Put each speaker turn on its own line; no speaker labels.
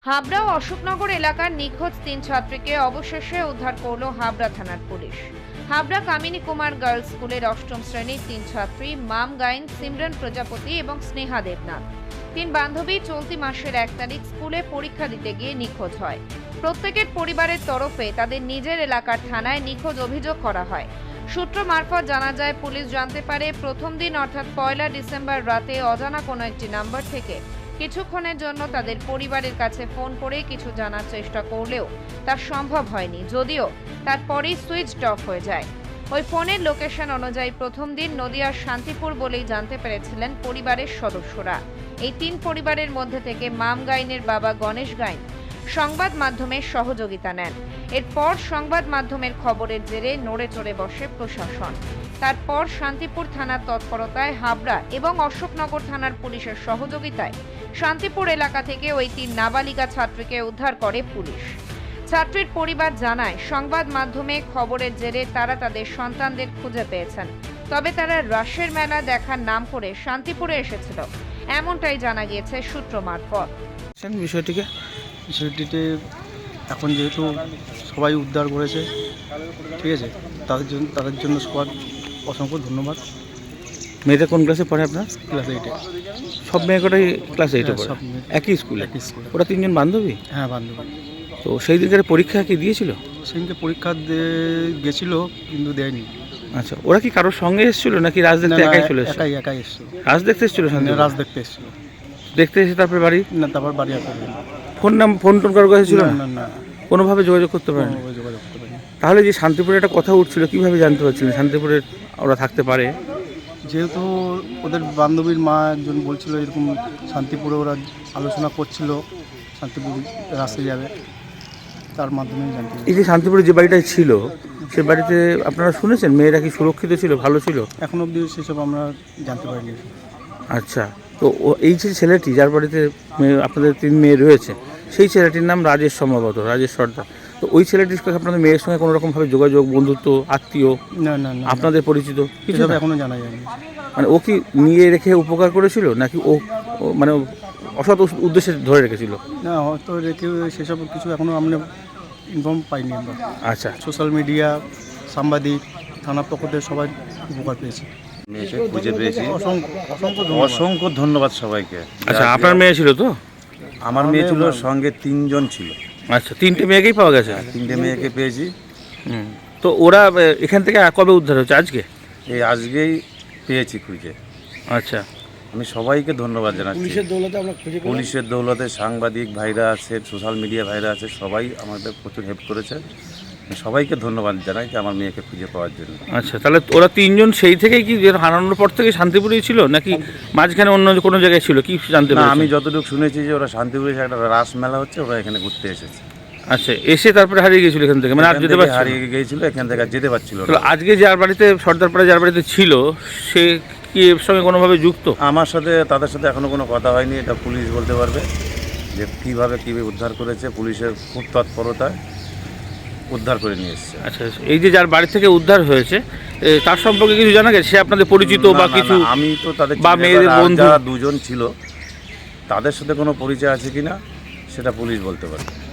হাবড়া ও অশোকনগর এলাকার নিখোঁজ 3 ছাত্রীকে অবশেষে উদ্ধার করল হাবড়া থানার পুলিশ। হাবড়া কামিনী কুমার গার্লস স্কুলের 8ম শ্রেণীর 3 ছাত্রী মাম গাইন, সিমরন প্রজাপতি এবং স্নেহা দেবনাথ। 3 বান্ধবী চলতি মাসের 1 তারিখ স্কুলে পরীক্ষা দিতে গিয়ে নিখোঁজ হয়। প্রত্যেকের পরিবারের তরফে তাদের নিজের এলাকার থানায় নিখোঁজ অভিযোগ করা হয়। সূত্র মারফত জানা যায়, পুলিশ জানতে পারে প্রথম দিন অর্থাৎ 1 ডিসেম্বর রাতে অজানা কোনো একটি নাম্বার থেকে কিছুক্ষণের জন্য তাদের পরিবারের কাছে ফোন করে কিছু জানার চেষ্টা করলেও তা সম্ভব হয়নি, যদিও তারপরেই সুইচড অফ হয়ে যায়। ওই ফোনের লোকেশন অনুযায়ী প্রথম দিন নদিয়ার শান্তিপুর বলেই জানতে পেরেছিলেন পরিবারের সদস্যরা। এই 3 পরিবারের মধ্যে থেকে মাম গাইনের বাবা গণেশ গাইন সংবাদ মাধ্যমের সহযোগিতা নেন। এরপর সংবাদ মাধ্যমের খবরের জেরে নড়ে চড়ে বসে প্রশাসন। তারপর শান্তিপুর থানার তৎপরতায় হাবড়া এবং অশোকনগর থানার পুলিশের সহযোগিতায় শান্তিপুর এলাকা থেকে ওই 3 নাবালিকা ছাত্রীকে উদ্ধার করে পুলিশ। ছাত্রীর পরিবার জানায়, সংবাদ মাধ্যমে খবরের জেরে তারা তাদের সন্তানদের খুঁজে পেয়েছেন, তবে তারা রাসের মেলা দেখার নাম করে শান্তিপুরে এসেছিল, এমনটাই জানা গিয়েছে সূত্র মারফত।
বিষয়টিতে এখন যেহেতু সবাই উদ্ধার করেছে, ঠিক আছে, তাদের জন্য সবার অসংখ্য ধন্যবাদ।
মেয়েটা কোন ক্লাসে পড়ে আপনার?
ক্লাস 8-এ।
সব মেয়ে কটাই ক্লাস 8-এ পড়ে?
সব মেয়ে
একই স্কুলে?
একই স্কুলে।
ওরা 3 জন বান্ধবী?
হ্যাঁ, বান্ধবী।
তো সেই দিনকার পরীক্ষা কি দিয়েছিল?
সেদিনকে পরীক্ষা গেছিলো কিন্তু দেয়নি।
আচ্ছা, ওরা কি কারোর সঙ্গে এসেছিল নাকি রাজ দেখতে একাই চলে এসেছিল?
একাই এসেছিল।
রাজ দেখতে এসেছিল?
রাজ দেখতে এসেছিল।
দেখতে এসে তারপর বাড়ি?
না, তারপর বাড়ি আসা
ফোন টোন কারোর কাছে ছিল না?
না,
কোনোভাবে যোগাযোগ করতে পারেন?
যোগাযোগ করতে পারিনি।
তাহলে যে শান্তিপুরে একটা কথা উঠছিল, কিভাবে জানতে পারছিলেন শান্তিপুরে ওরা থাকতে পারে?
যেহেতু ওদের বান্ধবীর মা একজন বলছিল এরকম শান্তিপুরে ওরা আলোচনা করছিল শান্তিপুর রাস্তায় যাবে, তার মাধ্যমে জানতে পারি।
এই যে শান্তিপুরে যে বাড়িটায় ছিল, সে বাড়িতে আপনারা শুনেছেন মেয়েরা কি সুরক্ষিত ছিল, ভালো ছিল?
এখন অবধি সেসব আমরা জানতে পারিনি।
আচ্ছা, তো এই যে ছেলেটি যার বাড়িতে আপনাদের 3 মেয়ে রয়েছে, সেই ছেলেটির নাম রাজেশ, সম্ভবত রাজেশ সর্দার। তো ওই ছেলেটির সঙ্গে আপনাদের মেয়ের সঙ্গে কোনো রকমভাবে যোগাযোগ, বন্ধুত্ব, আত্মীয়,
না,
আপনাদের পরিচিত কিছু না?
এখনো জানা যায়নি।
মানে ও কি নিয়ে রেখে উপকার করেছিল নাকি ও মানে অসৎ উদ্দেশ্যে ধরে রেখেছিল?
না, হয়তো রেখে সেসব কিছু এখনো আমরা ইনফর্ম পাইনি আমরা।
আচ্ছা,
সোশ্যাল মিডিয়া, সাংবাদিক, থানার পক্ষ থেকে সবাই উপকার পেয়েছে।
মেয়েকে খুঁজে পেয়েছি।
অসংখ্য
ধন্যবাদ সবাইকে।
আচ্ছা, আপনার মেয়ে ছিল তো?
আমার মেয়ে ছিল, সঙ্গে 3 জন ছিল।
আচ্ছা, 3টে মেয়েকেই পাওয়া গেছে?
3টে মেয়েকে পেয়েছি।
তো ওরা এখান থেকে কবে উদ্ধার হচ্ছে? আজকে?
এই আজকেই পেয়েছি খুঁজে।
আচ্ছা,
আমি সবাইকে ধন্যবাদ জানাচ্ছি। পুলিশের দৌলতে সাংবাদিক ভাইরা আছে, সোশ্যাল মিডিয়া ভাইরা আছে, সবাই আমাদের প্রচুর হেল্প করেছে। আমি সবাইকে ধন্যবাদ জানাই যে আমার মেয়েকে খুঁজে পাওয়ার জন্য।
আচ্ছা, তাহলে ওরা 3 জন সেই থেকেই কি হারানোর পর থেকে শান্তিপুরেই ছিল নাকি মাঝখানে অন্য কোনো জায়গায় ছিল, কি জানতে
না,
পারছেন?
আমি যতটুকু শুনেছি যে ওরা শান্তিপুরে একটা রাস মেলা হচ্ছে, ওরা এখানে ঘুরতে এসেছে।
আচ্ছা, এসে তারপরে হারিয়ে গিয়েছিল এখান থেকে, মানে আর যেতে পারছিল না?
হারিয়ে গিয়েছিল, এখান থেকে আর যেতে পারছিল না।
তাহলে আজকে যার বাড়িতে, সর্দারপাড়া যার বাড়িতে ছিল, সে কি এর সঙ্গে কোনোভাবে যুক্ত?
আমার সাথে তাদের সাথে এখনও কোনো কথা হয়নি। এটা পুলিশ বলতে পারবে যে কীভাবে উদ্ধার করেছে। পুলিশের খুব তৎপরতায় উদ্ধার করে নিয়ে এসছে।
আচ্ছা, এই যে যার বাড়ি থেকে উদ্ধার হয়েছে তার সম্পর্কে কিছু জানা গেছে? সে আপনাদের পরিচিত বা কিছু?
আমি তো তাদের
বা মেয়েদের বন্ধু?
যারা 2 জন ছিল তাদের সাথে কোনো পরিচয় আছে কিনা সেটা পুলিশ বলতে পারবে।